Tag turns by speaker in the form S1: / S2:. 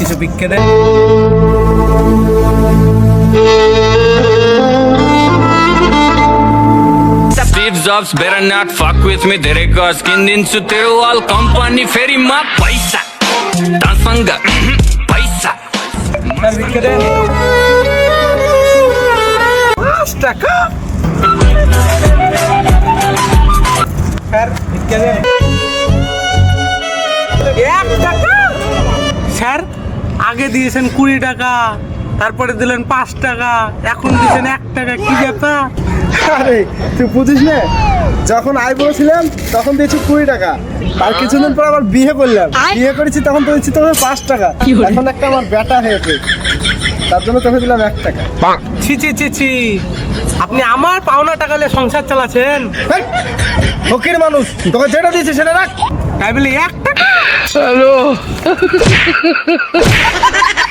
S1: কিছু ভিক্ষে দেন।
S2: Steve Jobs better not fuck with me. तेरे का skin दिन सुते वाल company फेरी माँ पैसा दांसंगा पैसा
S1: স্যার ভিক্ষে দেন। 5 টাকা স্যার ভিক্ষে দেন। 1 টাকা স্যার, আগে দিয়েছেন 20 টাকা, তারপরে দিলেন 5 টাকা, এখন দিয়েছেন 1 টাকা, কি ব্যাপার?
S3: আরে তুই বুঝিস না, যখন আয় বলেছিলাম তখন দিয়েছি 20 টাকা, আর কিছুদিন পর আবার বিয়ে করলাম, বিয়ে করেছি তখন তো দিচ্ছি তোকে 5 টাকা, এখন একটা আমার বেটা হয়েছে তার জন্য তোকে দিলাম 1 টাকা।
S1: ছি ছি ছি ছি, আপনি আমার পাওনা টাকা নিয়ে সংসার চালাচ্ছেন?
S3: হেই, ফকির মানুষ, তোকে যেটা দিয়েছি সেটা রাখ।
S1: তাই বলে 1 টাকা?